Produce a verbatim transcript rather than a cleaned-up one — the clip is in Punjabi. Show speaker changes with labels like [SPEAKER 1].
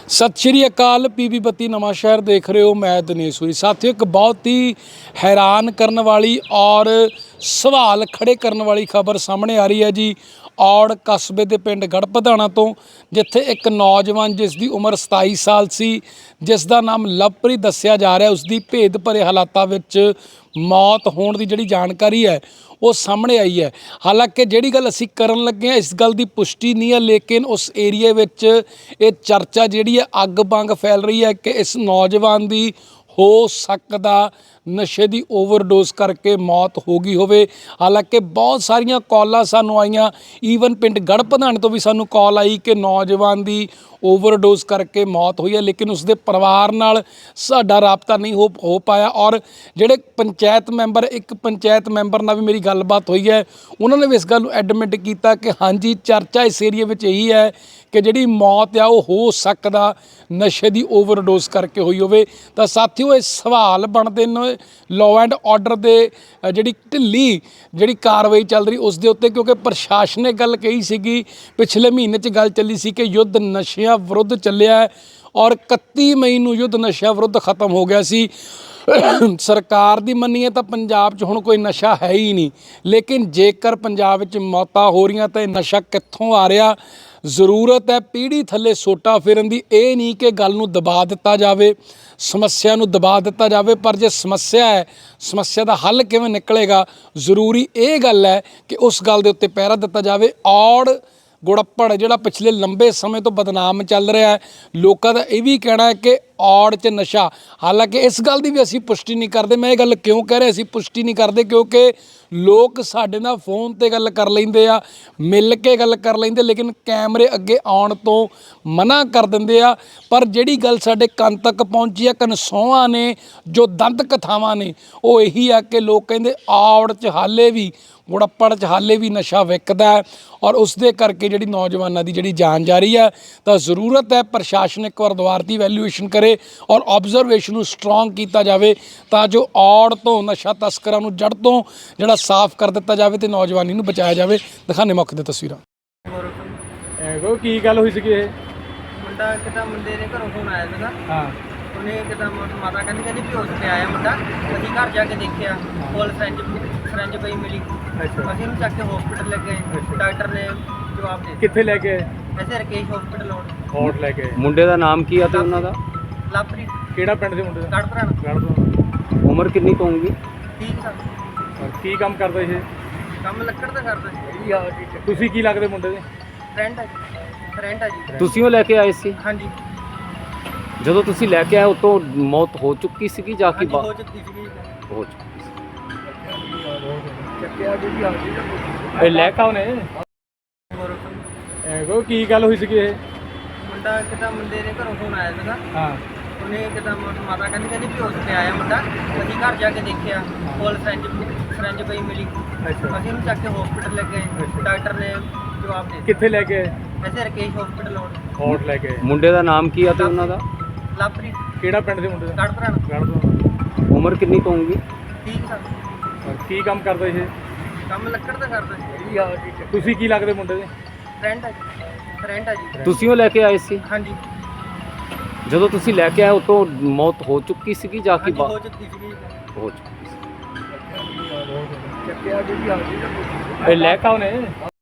[SPEAKER 1] ਸਤਿ ਸ਼੍ਰੀ ਅਕਾਲ। ਪੀਬੀ ਬੱਤੀ ਨਵਾਂ ਸ਼ਹਿਰ ਦੇਖ ਰਹੇ ਹੋ। ਮੈਂ ਦਿਨੇਸ਼ ਸੂਰੀ। ਸਾਥੀਓ, ਇੱਕ ਬਹੁਤ ਹੀ ਹੈਰਾਨ ਕਰਨ ਵਾਲੀ ਔਰ ਸਵਾਲ ਖੜੇ ਕਰਨ ਵਾਲੀ ਖਬਰ ਸਾਹਮਣੇ ਆ ਰਹੀ ਹੈ ਜੀ। ਔੜ ਕਸਬੇ ਦੇ ਪਿੰਡ ਗੜ੍ਹਪਧਾਣਾ ਤੋਂ, ਜਿੱਥੇ ਇੱਕ ਨੌਜਵਾਨ ਜਿਸ ਦੀ ਉਮਰ ਸਤਾਈ ਸਾਲ ਸੀ, ਜਿਸ ਦਾ ਨਾਮ ਲਵਪ੍ਰੀਤ ਦੱਸਿਆ ਜਾ ਰਿਹਾ, ਉਸ ਦੀ ਭੇਦ ਭਰੇ ਹਾਲਾਤਾਂ ਵਿੱਚ ਮੌਤ ਹੋਣ ਦੀ ਜਿਹੜੀ ਜਾਣਕਾਰੀ ਹੈ ਉਹ ਸਾਹਮਣੇ ਆਈ ਹੈ। ਹਾਲਾਂਕਿ ਜਿਹੜੀ ਗੱਲ ਅਸੀਂ ਕਰਨ ਲੱਗੇ ਹਾਂ, ਇਸ ਗੱਲ ਦੀ ਪੁਸ਼ਟੀ ਨਹੀਂ ਹੈ, ਲੇਕਿਨ ਉਸ ਏਰੀਏ ਵਿੱਚ ਇਹ ਚਰਚਾ ਜਿਹੜੀ ਹੈ ਅੱਗ ਵਾਂਗ ਫੈਲ ਰਹੀ ਹੈ ਕਿ ਇਸ ਨੌਜਵਾਨ ਦੀ ਹੋ ਸਕਦਾ ਨਸ਼ੇ ਦੀ ਓਵਰਡੋਜ਼ ਕਰਕੇ ਮੌਤ ਹੋ ਗਈ ਹੋਵੇ। ਹਾਲਾਂਕਿ ਬਹੁਤ ਸਾਰੀਆਂ ਕਾਲਾਂ ਸਾਨੂੰ ਆਈਆਂ, ਈਵਨ ਪਿੰਡ ਗੜ੍ਹਪਧਾਣੇ ਤੋਂ ਵੀ ਸਾਨੂੰ ਕਾਲ ਆਈ ਕਿ ਨੌਜਵਾਨ ਦੀ ਓਵਰਡੋਜ਼ ਕਰਕੇ ਮੌਤ ਹੋਈ ਹੈ, ਲੇਕਿਨ ਉਸਦੇ ਪਰਿਵਾਰ ਨਾਲ ਸਾਡਾ ਰਾਬਤਾ ਨਹੀਂ ਹੋ ਹੋ ਪਾਇਆ। ਔਰ ਜਿਹੜੇ ਪੰਚਾਇਤ ਮੈਂਬਰ, ਇੱਕ ਪੰਚਾਇਤ ਮੈਂਬਰ ਨਾਲ ਵੀ ਮੇਰੀ ਗੱਲਬਾਤ ਹੋਈ ਹੈ, ਉਹਨਾਂ ਨੇ ਵੀ ਇਸ ਗੱਲ ਨੂੰ ਐਡਮਿਟ ਕੀਤਾ ਕਿ ਹਾਂਜੀ, ਚਰਚਾ ਇਸ ਏਰੀਏ ਵਿੱਚ ਇਹੀ ਹੈ ਕਿ ਜਿਹੜੀ ਮੌਤ ਆ ਉਹ ਹੋ ਸਕਦਾ ਨਸ਼ੇ ਦੀ ਓਵਰਡੋਜ਼ ਕਰਕੇ ਹੋਈ ਹੋਵੇ। ਤਾਂ ਸਾਥੀਓ, ਇਹ ਸਵਾਲ ਬਣਦੇ ਨੇ ਲਾਅ ਐਂਡ ਆਰਡਰ ਦੇ ਜਿਹੜੀ ਢਿੱਲੀ ਜਿਹੜੀ ਕਾਰਵਾਈ ਚੱਲ ਰਹੀ ਉਸ ਦੇ ਉੱਤੇ, ਕਿਉਂਕਿ ਪ੍ਰਸ਼ਾਸਨ ਨੇ ਗੱਲ ਕਹੀ ਸੀਗੀ, ਪਿਛਲੇ ਮਹੀਨੇ 'ਚ ਗੱਲ ਚੱਲੀ ਸੀ ਕਿ ਯੁੱਧ ਨਸ਼ਿਆਂ ਵਿਰੁੱਧ ਚੱਲਿਆ ਔਰ ਇਕੱਤੀ ਮਈ ਨੂੰ ਯੁੱਧ ਨਸ਼ਿਆਂ ਵਿਰੁੱਧ ਖਤਮ ਹੋ ਗਿਆ ਸੀ। ਸਰਕਾਰ ਦੀ ਮੰਨੀਏ ਤਾਂ ਪੰਜਾਬ 'ਚ ਹੁਣ ਕੋਈ ਨਸ਼ਾ ਹੈ ਹੀ ਨਹੀਂ, ਲੇਕਿਨ ਜੇਕਰ ਪੰਜਾਬ ਵਿੱਚ ਮੌਤਾਂ ਹੋ ਰਹੀਆਂ ਤਾਂ ਇਹ ਨਸ਼ਾ ਕਿੱਥੋਂ ਆ ਰਿਹਾ? ਜ਼ਰੂਰਤ ਹੈ ਪੀੜ੍ਹੀ ਥੱਲੇ ਸੋਟਾ ਫੇਰਨ ਦੀ। ਇਹ ਨਹੀਂ ਕਿ ਗੱਲ ਨੂੰ ਦਬਾ ਦਿੱਤਾ ਜਾਵੇ, ਸਮੱਸਿਆ ਨੂੰ ਦਬਾ ਦਿੱਤਾ ਜਾਵੇ, ਪਰ ਜੇ ਸਮੱਸਿਆ ਹੈ, ਸਮੱਸਿਆ ਦਾ ਹੱਲ ਕਿਵੇਂ ਨਿਕਲੇਗਾ, ਜ਼ਰੂਰੀ ਇਹ ਗੱਲ ਹੈ ਕਿ ਉਸ ਗੱਲ ਦੇ ਉੱਤੇ ਪਹਿਰਾ ਦਿੱਤਾ ਜਾਵੇ। ਔੜ ਗੁੜੱਪੜ ਜਿਹੜਾ ਪਿਛਲੇ ਲੰਬੇ ਸਮੇਂ ਤੋਂ ਬਦਨਾਮ ਚੱਲ ਰਿਹਾ ਹੈ, ਲੋਕਾਂ ਦਾ ਇਹ ਵੀ ਕਹਿਣਾ ਹੈ ਕਿ ਔੜ 'ਚ ਨਸ਼ਾ, ਹਾਲਾਂਕਿ ਇਸ ਗੱਲ ਦੀ ਵੀ ਅਸੀਂ ਪੁਸ਼ਟੀ ਨਹੀਂ ਕਰਦੇ। ਮੈਂ ਇਹ ਗੱਲ ਕਿਉਂ ਕਹਿ ਰਿਹਾ ਅਸੀਂ ਪੁਸ਼ਟੀ ਨਹੀਂ ਕਰਦੇ, ਕਿਉਂਕਿ ਲੋਕ ਸਾਡੇ ਨਾਲ ਫੋਨ 'ਤੇ ਗੱਲ ਕਰ ਲੈਂਦੇ ਆ, ਮਿਲ ਕੇ ਗੱਲ ਕਰ ਲੈਂਦੇ, ਲੇਕਿਨ ਕੈਮਰੇ ਅੱਗੇ ਆਉਣ ਤੋਂ ਮਨਾ ਕਰ ਦਿੰਦੇ ਆ। ਪਰ ਜਿਹੜੀ ਗੱਲ ਸਾਡੇ ਕੰਨ ਤੱਕ ਪਹੁੰਚੀ ਆ, ਕਨਸੋਆਂ ਨੇ, ਜੋ ਦੰਦ ਕਥਾਵਾਂ ਨੇ, ਉਹ ਇਹੀ ਆ ਕਿ ਲੋਕ ਕਹਿੰਦੇ ਔੜ 'ਚ ਹਾਲੇ ਵੀ, ਗੁੜੱਪੜ 'ਚ ਹਾਲੇ ਵੀ ਨਸ਼ਾ ਵਿਕਦਾ ਹੈ ਔਰ ਉਸ ਦੇ ਕਰਕੇ ਜਿਹੜੀ ਨੌਜਵਾਨਾਂ ਦੀ ਜਿਹੜੀ ਜਾਨ ਜਾ ਰਹੀ ਹੈ। ਤਾਂ ਜ਼ਰੂਰਤ ਹੈ ਪ੍ਰਸ਼ਾਸਨ ਇੱਕ ਵਾਰ ਦੁਬਾਰਾ ਦੀ ਵੈਲਿਊਏਸ਼ਨ ਕਰੇ ਔਰ ਆਬਜ਼ਰਵੇਸ਼ਨ ਨੂੰ ਸਟਰੋਂਗ ਕੀਤਾ ਜਾਵੇ, ਤਾਂ ਜੋ ਔੜ ਤੋਂ ਨਸ਼ਾ ਤਸਕਰਾਂ ਨੂੰ ਜੜ੍ਹ ਤੋਂ ਜਿਹੜਾ ਸਾਫ਼ ਕਰ ਦਿੱਤਾ ਜਾਵੇ ਤੇ ਨੌਜਵਾਨੀ ਨੂੰ ਬਚਾਇਆ ਜਾਵੇ। ਦਿਖਾਣੇ ਮੌਕੇ ਦੀਆਂ ਤਸਵੀਰਾਂ।
[SPEAKER 2] ਐਗੋ ਕੀ ਗੱਲ ਹੋਈ ਸੀਗੀ? ਇਹ
[SPEAKER 3] ਮੁੰਡਾ ਕਿਤਾ ਮੁੰਡੇ ਦੇ ਘਰੋਂ ਫੋਨ ਆਇਆ ਸੀਗਾ।
[SPEAKER 2] ਹਾਂ,
[SPEAKER 3] ਉਹਨੇ ਕਿਤਾ ਮਾਤਾ ਕਹਿੰਦੀ ਕਹਿੰਦੀ ਬੇਹੋਸ਼ ਤੇ ਆਇਆ ਮੁੰਡਾ। ਅਸੀਂ ਘਰ ਜਾ ਕੇ ਦੇਖਿਆ, ਕੋਲ ਫਰੈਂਚ ਫਰੈਂਚ ਪਈ ਮਿਲੀ।
[SPEAKER 2] ਅੱਛਾ,
[SPEAKER 3] ਅਸੀਂ ਉਹਨੂੰ ਚੱਕ ਕੇ ਹਸਪੀਟਲ ਲੈ ਗਏ। ਡਾਕਟਰ ਨੇ ਜਵਾਬ ਦੇ ਦਿੱਤਾ।
[SPEAKER 2] ਕਿੱਥੇ ਲੈ ਕੇ?
[SPEAKER 3] ਐਸੇ ਰਕੇਸ਼ ਹਸਪੀਟਲ ਹੋਣ
[SPEAKER 2] ਕੋਟ ਲੈ ਕੇ।
[SPEAKER 4] ਮੁੰਡੇ ਦਾ ਨਾਮ ਕੀ ਆ ਤੇ ਉਹਨਾਂ ਦਾ?
[SPEAKER 3] ਲਵਪ੍ਰੀਤ।
[SPEAKER 2] ਕਿਹੜਾ ਪਿੰਡ ਦੇ ਮੁੰਡੇ ਦਾ?
[SPEAKER 3] ਗੜ੍ਹਪਧਾਣਾ।
[SPEAKER 2] ਗੜ੍ਹਪਧਾਣਾ।
[SPEAKER 4] ਉਮਰ ਕਿੰਨੀ ਕੁ ਹੋਊਗੀ?
[SPEAKER 3] ਠੀਕ ਸਰ।
[SPEAKER 2] ਕੀ ਕੰਮ ਕਰਦਾ ਇਹ?
[SPEAKER 3] ਕੰਮ ਲੱਕੜ ਦਾ ਕਰਦਾ।
[SPEAKER 2] ਤੁਸੀਂ ਕੀ ਲੱਗਦੇ ਮੁੰਡੇ ਦੇ?
[SPEAKER 3] ਫਰੈਂਡ ਹੈ ਜੀ, ਫਰੈਂਡ ਹੈ ਜੀ।
[SPEAKER 4] ਤੁਸੀਂ ਉਹ ਲੈ ਕੇ ਆਏ ਸੀ?
[SPEAKER 3] ਹਾਂਜੀ
[SPEAKER 4] ਜਦੋਂ ਤੁਸੀਂ ਲੈ ਕੇ ਆਏ ਉਤੋਂ ਮੌਤ ਹੋ ਚੁੱਕੀ ਸੀਗੀ ਜਾਂ ਕਿ
[SPEAKER 3] ਹਾਂਜੀ, ਹੋ ਚੁੱਕੀ ਸੀਗੀ।
[SPEAKER 4] ਹੋ ਚੁੱਕੀ ਸੀ?
[SPEAKER 3] ਚੱਕਿਆ ਜੀ ਆ ਜੀ।
[SPEAKER 2] ਇਹ ਲੈ ਕੇ ਆਉਨੇ ਐਗੋ ਕੀ ਗੱਲ ਹੋਈ ਸੀਗੀ? ਇਹ
[SPEAKER 3] ਮੁੰਡਾ ਕਿਤਾ ਮੁੰਡੇ ਦੇ ਘਰੋਂ ਫੋਨ ਆਇਆ ਸੀਗਾ।
[SPEAKER 2] ਹਾਂ,
[SPEAKER 3] ਉਹਨੇ ਕਿਤਾ ਮਾਤਾ ਕਹਿੰਦੀ ਕਹਿੰਦੀ ਬੇਹੋਸ਼ ਤੇ ਆਇਆ ਮੁੰਡਾ। ਅਸੀਂ ਘਰ ਜਾ ਕੇ ਦੇਖਿਆ, ਕੋਲ ਫਰੈਂਚ ਫਰੈਂਚ ਪਈ ਮਿਲੀ।
[SPEAKER 2] ਅੱਛਾ,
[SPEAKER 3] ਅਸੀਂ ਉਹਨੂੰ ਚੱਕ ਕੇ ਹਸਪੀਟਲ ਲੈ ਗਏ। ਡਾਕਟਰ ਨੇ ਜਵਾਬ ਦੇ ਦਿੱਤਾ।
[SPEAKER 2] ਕਿੱਥੇ ਲੈ ਕੇ?
[SPEAKER 3] ਐਸੇ ਰਕੇਸ਼ ਹਸਪੀਟਲ ਹੋਣ
[SPEAKER 2] ਕੋਟ ਲੈ ਕੇ।
[SPEAKER 4] ਮੁੰਡੇ ਦਾ ਨਾਮ ਕੀ ਆ ਤੇ ਉਹਨਾਂ ਦਾ?
[SPEAKER 3] ਲਵਪ੍ਰੀਤ।
[SPEAKER 2] ਕਿਹੜਾ ਪਿੰਡ ਦੇ ਮੁੰਡੇ ਦਾ?
[SPEAKER 3] ਗੜ੍ਹਪਧਾਣਾ।
[SPEAKER 2] ਗੜ੍ਹਪਧਾਣਾ।
[SPEAKER 4] ਉਮਰ ਕਿੰਨੀ ਕੁ ਹੋਊਗੀ?
[SPEAKER 3] ਠੀਕ ਸਰ।
[SPEAKER 2] ਕੀ ਕੰਮ ਕਰਦਾ ਇਹ?
[SPEAKER 3] ਕੰਮ ਲੱਕੜ ਦਾ ਕਰਦਾ।
[SPEAKER 2] ਤੁਸੀਂ ਕੀ ਲੱਗਦੇ ਮੁੰਡੇ ਦੇ?
[SPEAKER 3] ਫਰੈਂਡ ਹੈ ਜੀ, ਫਰੈਂਡ ਹੈ ਜੀ।
[SPEAKER 4] ਤੁਸੀਂ ਉਹ ਲੈ ਕੇ ਆਏ ਸੀ?
[SPEAKER 3] ਹਾਂਜੀ
[SPEAKER 4] ਜਦੋਂ ਤੁਸੀਂ ਲੈ ਕੇ ਆਏ ਉਤੋਂ ਮੌਤ ਹੋ ਚੁੱਕੀ ਸੀਗੀ ਜਾਂ ਕਿ
[SPEAKER 3] ਹਾਂਜੀ, ਹੋ ਚੁੱਕੀ ਸੀਗੀ।
[SPEAKER 4] ਹੋ ਚੁੱਕੀ ਸੀ?
[SPEAKER 3] ਚੱਕਿਆ ਜੀ ਆ ਜੀ।
[SPEAKER 2] ਇਹ ਲੈ ਕੇ ਆਉਨੇ